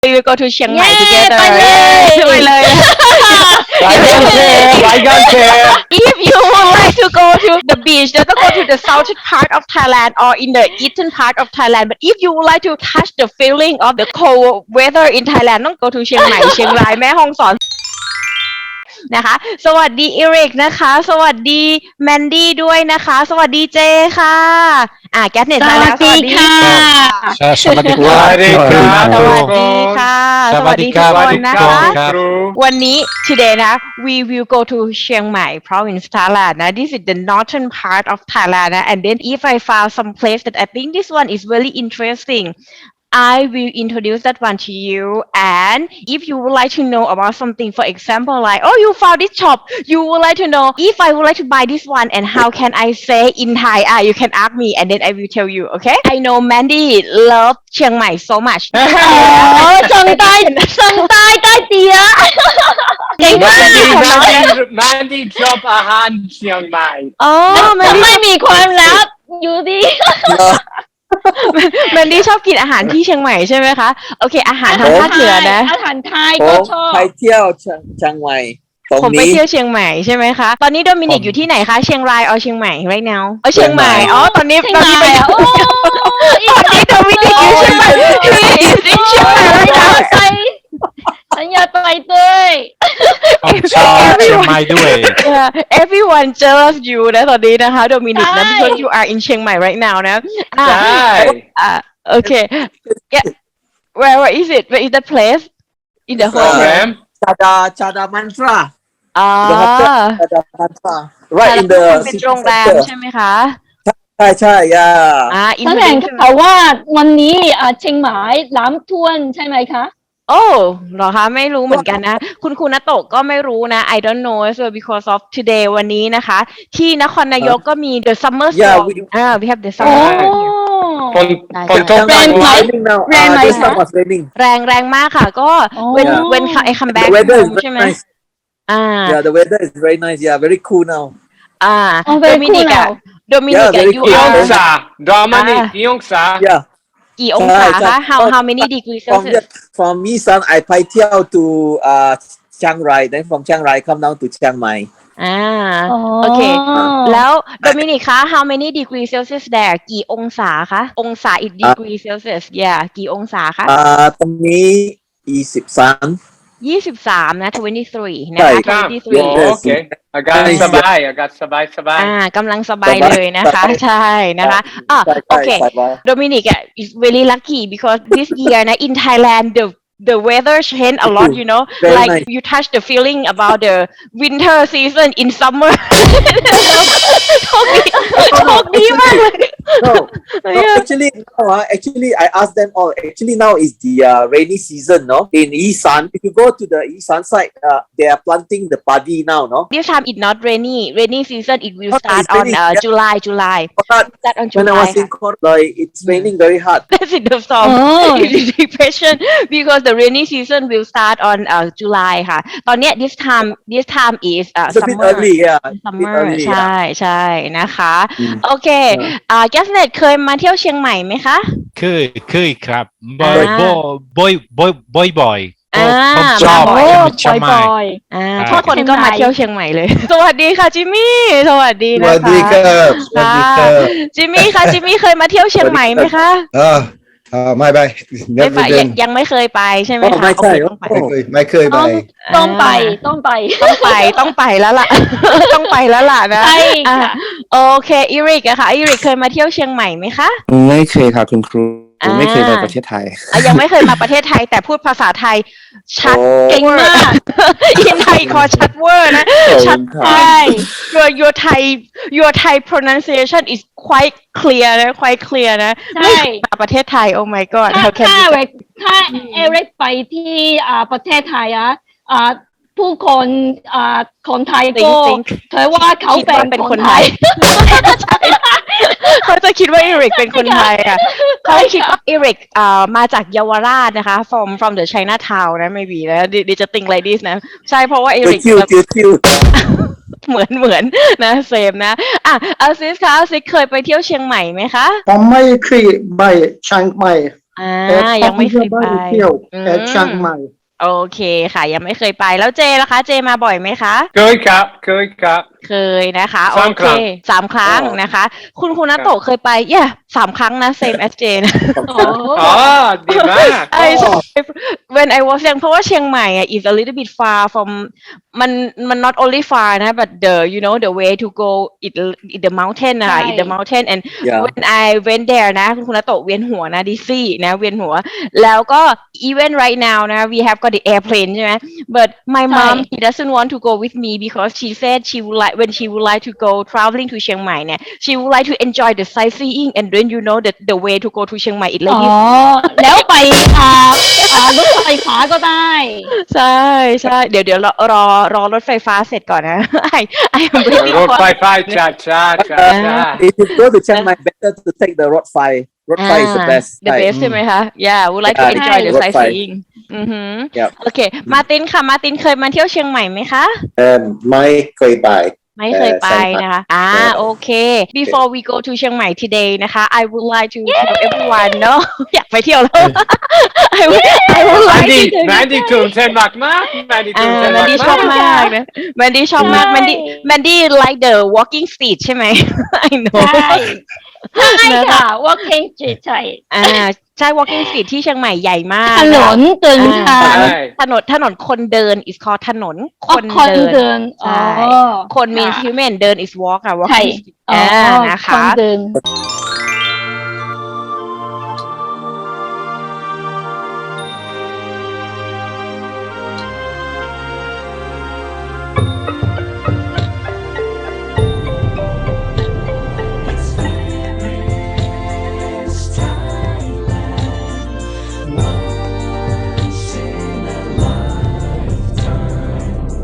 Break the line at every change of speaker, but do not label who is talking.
we will go to Chiang Mai
เย้
together
ไปเลย
ไปเลย
ไปกันเชฟ
If you would like to go to the beach, then go to the southern part of Thailand or in the eastern part of Thailand. But if you would like to touch the feeling of the cold weather in Thailand, ต้อง go to เชียงใหม่ เชียงรายแม่ฮ่องสอนนะคะสวัสดีอีริกนะคะสวัสดีแมนดี้ด้วยนะคะสวัสดีเจค่ะแกสเน็ตมาแล้วสวัสดีค่ะ
สวัสดีครับ
สวัสดีค่ะสวัสดีทุกคนนะคะ
ครับ
วันนี้ today นะ we will go to เชียงใหม่ province Thailand นะ this is the northern part of Thailand นะ and then if I found some place that I think this one is really interesting I will introduce that one to you and if you would like to know about something for example like oh you found this shop you would like to know if I would like to buy this one and how can I say in Thai you can ask me and then I will tell you okay I know Mandy love เชียงใหม่ so much
จังใต้ใต้เตี๋ยเก่งมาก
แมนดี้ชอบอาหารเชียงใหม่
Mandy
ไม่มีความลับอยู่ดี
แมนดี้ชอบกินอาหารที่เชียงใหม่ใช่ไหมคะโอเคอาหารทางภาคเหนือนะ
อาหารไทย
ผ
ก็
ม
ชอบ
ไปเที่ยวเชียงใหม่ตรง
ผมไป
นี้
เที่ยวเชียงใหม่ใช่ไหมคะตอนนี้โดมินิกอยู่ที่ไหนคะเชียงรายเชียงใหม่ right now เชียงใหม่ตอนนี้
เชียงใหม่โอ้
ตอนนี้โดมินิกอยู่เชียงใหม่ He is in เชียงใหม่ right now
ฉันอยากไปด้วย
ผมชอบเชียงใหม่ด้วย
Yeah, everyone jealous you นะตอนนี้นะคะโดมินิกนะ because you are in เชียงใหม่ right now นะ
ใช่
okay yeah where is it where is the place in the
โรง
whole
แรม
ชาดามันตรา
อ๋อ
ชาดามันตรา right in the
เป็นโรงแรมใช่ไหมคะ
ใช่ย่า
อิน
แถ
เทอร์
ล
เน็
ง
ต
ข่าวว่าวันนี้เชียงใหม่น้ำท่วมใช่ไหมคะ
โอ้เหรอคะไม่รู้เหมือนกันนะคุณณโตะก็ไม่รู้นะ I don't know so because of today วันนี้นะคะที่นครนายกก็มี the summer storm we have the
โอ้
summer
ฝนตก
แรงไหม แรงไหมคะ
แรงมากค่ะก็ when I come back home ใช่ไหม
yeah the weather is very nice yeah very cool now
โดมินิกอะyou
กี่อง
are
ศาโดมินิกกี่องศา
yeah
กี่องศาคะ how many degrees Celsius
from Isan I ไปเที่ยว toเชียงราย then from เชียงราย come down to เชียงใหม่
โอเคแล้วโดมินิกคะ how many degrees Celsius there กี่องศาคะองศา in degree Celsius yeah กี่องศาคะ
ตรงนี้23
นะ23นะคะ
โอเคอากาศสบาย
กำลังสบายเลยนะคะใช่นะคะโอเคโดมินิกis very lucky because this year นะ in Thailand the weather change a lot you know like you touch the feeling about the winter season in summer โชคดีมากเลย
no actually I asked them all actually now is the rainy season no in Isan if you go to the Isan side they are planting the paddy now no
this time it's not rainy season it will start on July start on
when I
July
was in Korea it's raining very hard
that's in the song depression because the rainy season will start on July ค่ะตอนเนี้ย this time is
it's a bit
summer
early yeah
summer ใช่นะคะโอเคแกสเน็ตเคยมาเที่ยวเชียงใหม่ไหมคะ
เคยครับบ่อยผมชอบเชียงใหม่
ทุกคนก็มาเที่ยวเชียงใหม่เลยสวัสดีค่ะจิมมี่สวัสดีนะคะ
สวัสดีครับ
จิมมี่ค่ะจิมมี่เคยมาเที่ยวเชียงใหม่ไหมคะ
ไม่ไป
ยังไม่เคยไปใช่ไหมคะ
ไม่ใช่
ไม่เคยไป
ต้องไป
ต้องไปแล้วล่ะ ต้องไปแล้วล่ะนะ
ใช่ค่ะ
โอเคอีริกอะค่ะอีริกเคยมาเที่ยวเชียงใหม่ไหมคะ
ไม่เคยครับคุณครูไม่เคยไปประเทศไทย
ยังไม่เคยมาประเทศไทยแต่พูดภาษาไทยชัด
เก่งมาก
อินไทยคอชัดเวอร์นะชัดใช่ your Thai pronunciation is quite clear นะ quite clear นะ
ใช่
มาประเทศไทย oh my god
ถ้า
how can you
เอริกไปที่ประเทศไทยผู้คนคนไทยก็เธอว่าเขาเป็นคนไทย
เขาจะคิดว่าอีริกเป็นคนไทยอ่ะเขาคิดว่าอีริกมาจากเยาวราชนะคะ from the Chinatown นะ maybe นะ they just think like this นะใช่เพราะว่าอีริกเหมือนนะเซมนะซิสคะซิสเคยไปเที่ยวเชียงใหม่ไหมคะ
ผมไม่เคยไปเชียงใหม่
ยังไม่เคยไป
เที่ยว
อืม
เชียงใหม่
โอเคค่ะ ยังไม่เคยไปแล้วเจล่ะคะ เจมาบ่อยไหมคะ
เคยครับ
เคยนะคะโอ
สาม
เค
ครั้ง
3 ครั้งนะคะ คุณนาโตะเคยไป3 ครั้งนะ same as เจนะ
อ๋อดีมาก
when I was young เพราะว่าเชียงใหม่is a little bit far from มัน not only far นะ but the the way to go it the mountain นะคะ
ใช่
it the mountain and
Yeah.
when I went there นะคุณนาโตะเวียนหัวนะดิซี่นะเวียนหัวแล้วก็ even right now นะ we have got the airplane ใช่ไหม but my
ใช่
mom she doesn't want to go with me because she said she would like when she would like to go traveling to เชียงใหม่เนี่ย she would like to enjoy the sightseeing and then the way to go to เชียงใหม่ it
อ๋
like
อ แล้วไปรถไฟฟ้าก็ได้
ใช่ใช่เดี๋ยวรอรถไฟฟ้าเสร็จก่อนนะ I am waiting
รถ
for
ไฟฟ้าช้าช้าช้าช้า
If you go to Chiang Mai, better to take the road fly. Road fly is the best.
the best ใช่ไหมคะ yeah would like to
Yeah,
enjoy the
road fly.
sightseeing อือหือ
Yep.
โอเคมาร์ตินค่ะมาร์ตินเคยมาเที่ยวเชียงใหม่ไหมคะ
ไม่เคยไป
ไม่เคยไปนะคะ โอเค before we go to เชียงใหม่ today นะคะ I would like to tell everyone เนาะ อยากไปเที่ยวแล้ว I would
แม
like
นดี้
to
แมนดี้ตื่นเต้นมากแมนดี้ตื่นเต้น
แมนดี้ชอบมากนะแมนดี้ชอบมาก
ใช่
แมนดี้ like the walking street ใช่ไหม I know
ใช่ค่ะ walking street ใช่
ใช่ walking street ที่เชียงใหม่ใหญ่มาก
ถนนเดินทาง
ใช่
ถนนคนเดิน is called ถนนค
คน
เดิน
เดิน
ใช่
อ๋อ
คน means human เดิน is walk อะ
ใช่
walking street
อ๋อ
นะ
ค
คะ
นเดิน